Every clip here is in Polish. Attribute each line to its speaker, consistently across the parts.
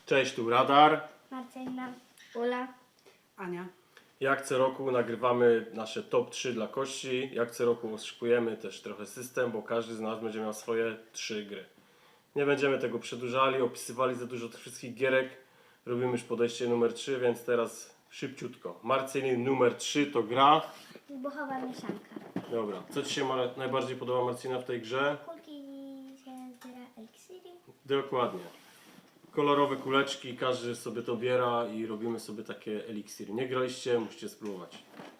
Speaker 1: Cześć, tu Radar.
Speaker 2: Marcelina, Ula,
Speaker 3: Ania.
Speaker 1: Jak co roku nagrywamy nasze top 3 dla kości. Jak co roku oszukujemy też trochę system, bo każdy z nas będzie miał swoje 3 gry. Nie będziemy tego przedłużali, opisywali za dużo tych wszystkich gierek. Robimy już podejście numer 3, więc teraz szybciutko. Marcelin numer 3 to gra.
Speaker 2: wybuchowa mieszanka.
Speaker 1: Dobra, co Ci się najbardziej podoba, Marcina, w tej grze?
Speaker 2: Kulki się zbiera eliksiry.
Speaker 1: Dokładnie. Kolorowe kuleczki, każdy sobie to biera i robimy sobie takie eliksiry. Nie graliście, musicie spróbować.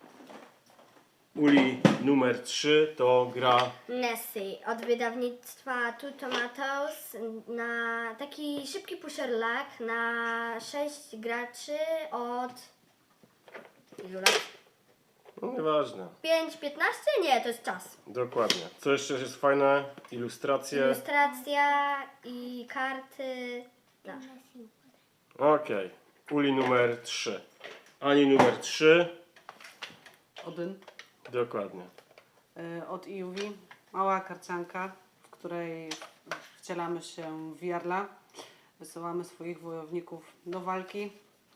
Speaker 1: Uli numer 3 to gra.
Speaker 2: Nessie od wydawnictwa Two Tomatoes na taki szybki pusherlack na 6 graczy od ilu lat?
Speaker 1: No nieważne.
Speaker 2: 5-15? Nie, to jest czas.
Speaker 1: Dokładnie. Co jeszcze jest fajne? Ilustracje.
Speaker 2: Ilustracja i karty. No.
Speaker 1: Okej. Uli numer 3. Ani numer 3.
Speaker 3: Odyn.
Speaker 1: Dokładnie.
Speaker 3: Od EUV. Mała karcianka, w której wcielamy się w Jarla. Wysyłamy swoich wojowników do walki,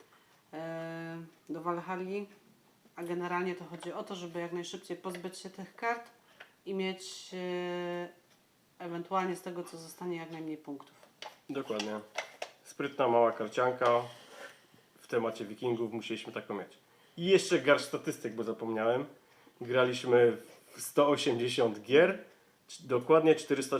Speaker 3: do Walhalli. A generalnie to chodzi o to, żeby jak najszybciej pozbyć się tych kart i mieć ewentualnie z tego, co zostanie, jak najmniej punktów.
Speaker 1: Dokładnie. Sprytna mała karcianka. W temacie wikingów musieliśmy taką mieć. I jeszcze garść statystyk, bo zapomniałem. Graliśmy w 180 gier. Dokładnie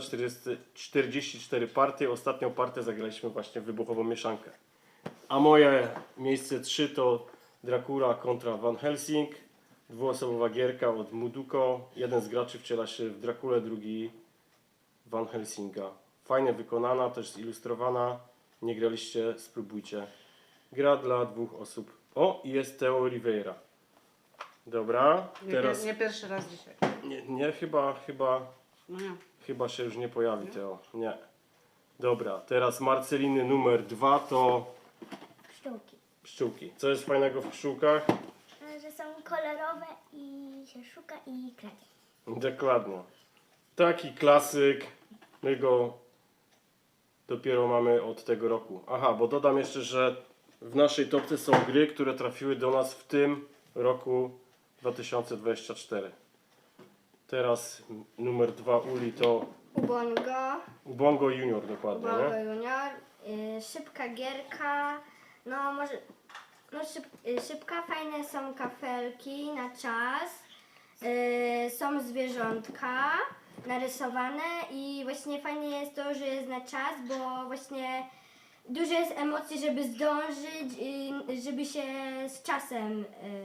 Speaker 1: 444 partie. Ostatnią partię zagraliśmy właśnie w wybuchową mieszankę. A moje miejsce 3 to Dracula kontra Van Helsing. Dwuosobowa gierka od Muduko. Jeden z graczy wciela się w Drakulę, drugi Van Helsinga. Fajnie wykonana, też zilustrowana. Nie graliście, spróbujcie. Gra dla 2 osób. O, i jest Theo Oliveira. Dobra, teraz...
Speaker 3: Nie pierwszy raz dzisiaj.
Speaker 1: Nie,
Speaker 3: No nie.
Speaker 1: chyba się już nie pojawi Theo. Nie. Dobra, teraz Marceliny numer 2 to
Speaker 2: Pszczółki.
Speaker 1: pszczółki. Co jest fajnego w pszczółkach?
Speaker 2: Że są kolorowe i się szuka i kradzie.
Speaker 1: Dokładnie. Taki klasyk. My go dopiero mamy od tego roku. Aha, bo dodam jeszcze, że w naszej topce są gry, które trafiły do nas w tym roku 2024. Teraz numer 2 Uli to Ubongo Junior, dokładnie,
Speaker 2: Ubongo
Speaker 1: nie?
Speaker 2: Junior, szybka gierka, no może, szybka, fajne są kafelki na czas, są zwierzątka narysowane i właśnie fajnie jest to, że jest na czas, bo właśnie dużo jest emocji, żeby zdążyć, żeby się z czasem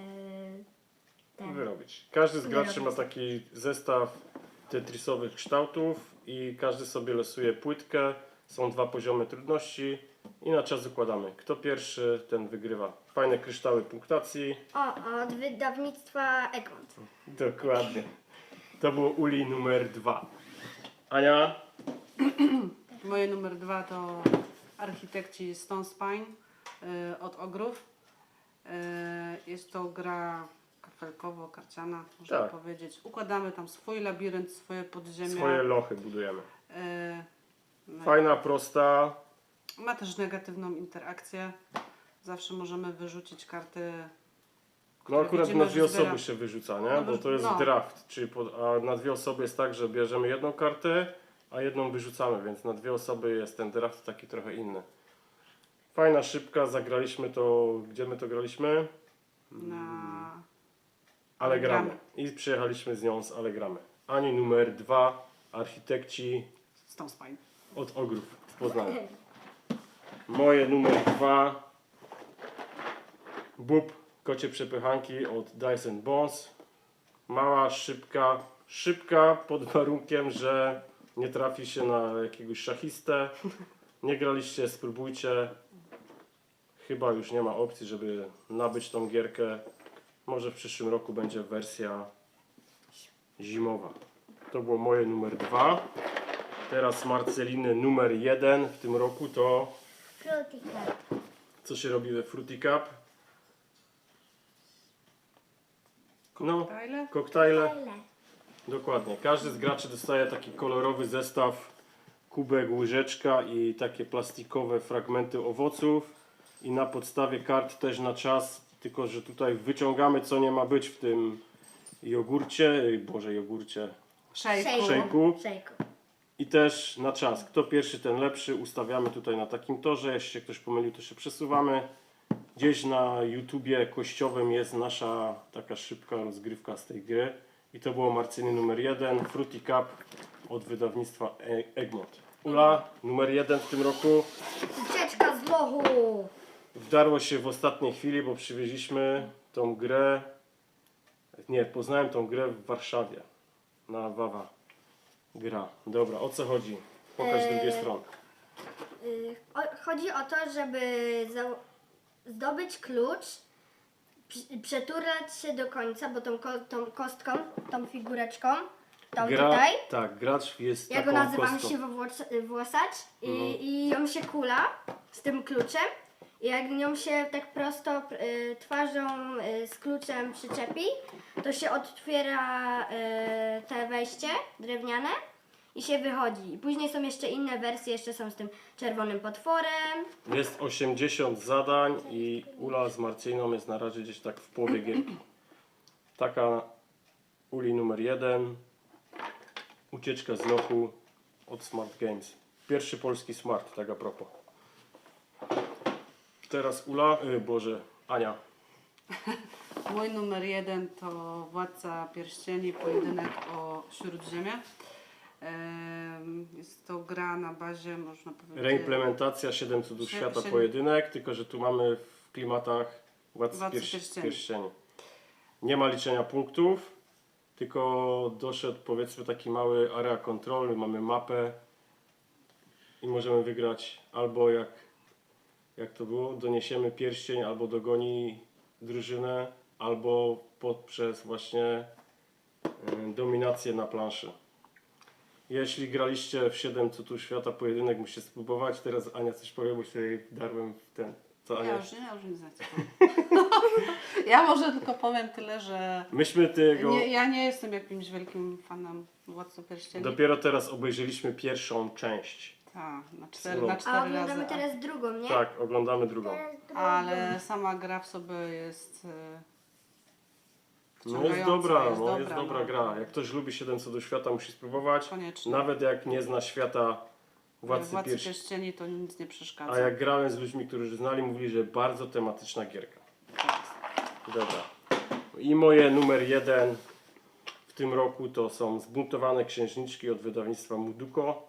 Speaker 1: Wyrobić. Każdy z graczy ma
Speaker 2: Wyrobić.
Speaker 1: taki zestaw tetrisowych kształtów i każdy sobie losuje płytkę. Są 2 poziomy trudności i na czas układamy. Kto pierwszy, ten wygrywa. Fajne kryształy punktacji.
Speaker 2: od wydawnictwa Egmont.
Speaker 1: Dokładnie. To było Uli numer 2. Ania?
Speaker 3: Moje numer 2 to Architekci Stone Spine od Ogrów. Jest to gra kafelkowo-karciana, można
Speaker 1: Tak.
Speaker 3: powiedzieć. Układamy tam swój labirynt, swoje podziemia.
Speaker 1: Swoje lochy budujemy.
Speaker 3: No i
Speaker 1: Fajna, prosta.
Speaker 3: ma też negatywną interakcję. Zawsze możemy wyrzucić karty.
Speaker 1: No akurat
Speaker 3: widzimy,
Speaker 1: na 2
Speaker 3: że zbiera-
Speaker 1: osoby się wyrzuca, nie?
Speaker 3: No,
Speaker 1: Bo to jest
Speaker 3: no.
Speaker 1: draft. Czyli a na 2 osoby jest tak, że bierzemy jedną kartę, a jedną wyrzucamy, więc na 2 osoby jest ten draft taki trochę inny. Fajna, szybka, zagraliśmy to, gdzie my to graliśmy?
Speaker 3: Na...
Speaker 1: Ale gramy.
Speaker 3: Gramy.
Speaker 1: I przyjechaliśmy z nią z Ale gramy. Ani numer 2, Architekci
Speaker 3: Stone Spine.
Speaker 1: od Ogrów w Poznaniu. Moje numer 2, Bób, kocie przepychanki od Dice and Bones. Mała, szybka pod warunkiem, że nie trafi się na jakiegoś szachistę. Nie graliście, spróbujcie. Chyba już nie ma opcji, żeby nabyć tą gierkę. Może w przyszłym roku będzie wersja zimowa. To było moje numer 2. Teraz Marceliny numer 1 w tym roku to
Speaker 2: Fruity Cup.
Speaker 1: co się robi we Fruity Cup? No, koktajle.
Speaker 2: Fajne.
Speaker 1: Dokładnie. Każdy z graczy dostaje taki kolorowy zestaw kubek, łyżeczka i takie plastikowe fragmenty owoców. I na podstawie kart też na czas, tylko że tutaj wyciągamy co nie ma być w tym jogurcie, szejku.
Speaker 2: Szejku.
Speaker 1: I też na czas. Kto pierwszy, ten lepszy. Ustawiamy tutaj na takim torze. Jeśli się ktoś pomylił, to się przesuwamy. Gdzieś na YouTubie kościowym jest nasza taka szybka rozgrywka z tej gry. I to było Marcyny numer 1, Fruity Cup od wydawnictwa Egmont. Ula, numer 1 w tym roku.
Speaker 2: Ucieczka z lochu.
Speaker 1: Wdarło się w ostatniej chwili, bo przywieźliśmy tą grę. Nie, poznałem tą grę w Warszawie. Na Wawa. Gra. Dobra, o co chodzi? Pokaż drugie strony.
Speaker 2: Chodzi o to, żeby zdobyć klucz, przeturlać się do końca, bo tą kostką, tą figureczką, tą tutaj,
Speaker 1: Tak, gracz jest
Speaker 2: ja go
Speaker 1: taką
Speaker 2: nazywam
Speaker 1: kostką.
Speaker 2: siwowłosacz i ją się kula z tym kluczem. I jak nią się tak prosto twarzą z kluczem przyczepi, to się otwiera te wejście drewniane i się wychodzi. I później są jeszcze inne wersje, jeszcze są z tym czerwonym potworem.
Speaker 1: Jest 80 zadań i Ula z Marcyną jest na razie gdzieś tak w połowie gierki. Taka Uli numer 1. Ucieczka z lochu od Smart Games. Pierwszy polski smart, tak a propos. Teraz Ula, Ania.
Speaker 3: Mój numer 1 to Władca Pierścieni, pojedynek o Śródziemie. Jest to gra na bazie, można powiedzieć...
Speaker 1: Reimplementacja 7 cudów świata pojedynek, tylko że tu mamy w klimatach Władcy Pierścieni. Nie ma liczenia punktów, tylko doszedł powiedzmy taki mały area kontrolny, mamy mapę i możemy wygrać albo jak to było, doniesiemy pierścień, albo dogoni drużynę, albo poprzez właśnie dominację na planszy. Jeśli graliście w 7 cudów świata pojedynek, musicie spróbować. Teraz Ania coś powie, bo się jej darłem w ten. Co Ania?
Speaker 3: Ja już nie znam. Ja może tylko powiem tyle, że
Speaker 1: Myśmy tego...
Speaker 3: ja nie jestem jakimś wielkim fanem Władcy Pierścieni.
Speaker 1: Dopiero teraz obejrzeliśmy pierwszą część.
Speaker 3: Tak, na
Speaker 1: No.
Speaker 3: 4
Speaker 2: A
Speaker 3: razy.
Speaker 2: oglądamy teraz drugą, nie?
Speaker 1: Tak, oglądamy drugą.
Speaker 3: Ale sama gra w sobie jest
Speaker 1: No jest
Speaker 3: wciągająca,
Speaker 1: dobra gra. Jak ktoś lubi 7 cudów świata, musi spróbować.
Speaker 3: Koniecznie.
Speaker 1: Nawet jak nie zna świata Władcy Pierścieni.
Speaker 3: Pierścieni to nic nie przeszkadza.
Speaker 1: A jak grałem z ludźmi, którzy znali, mówili, że bardzo tematyczna gierka. Dobra. I moje numer 1 w tym roku to są Zbuntowane księżniczki od wydawnictwa Muduko.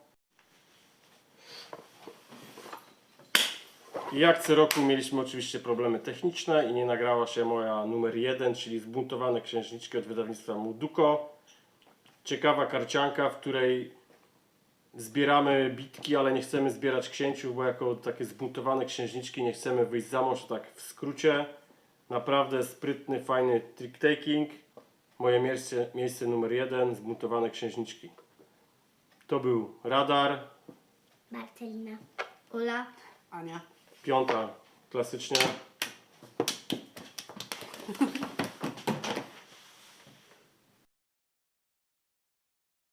Speaker 1: I jak co roku mieliśmy oczywiście problemy techniczne i nie nagrała się moja numer 1, czyli Zbuntowane księżniczki od wydawnictwa Muduko. Ciekawa karcianka, w której zbieramy bitki, ale nie chcemy zbierać księciów, bo jako takie zbuntowane księżniczki nie chcemy wyjść za mąż, tak w skrócie. Naprawdę sprytny, fajny trick-taking. Moje miejsce numer 1, Zbuntowane księżniczki. To był Radar.
Speaker 2: Marcelina. Ula.
Speaker 3: Ania.
Speaker 1: 5, klasycznie.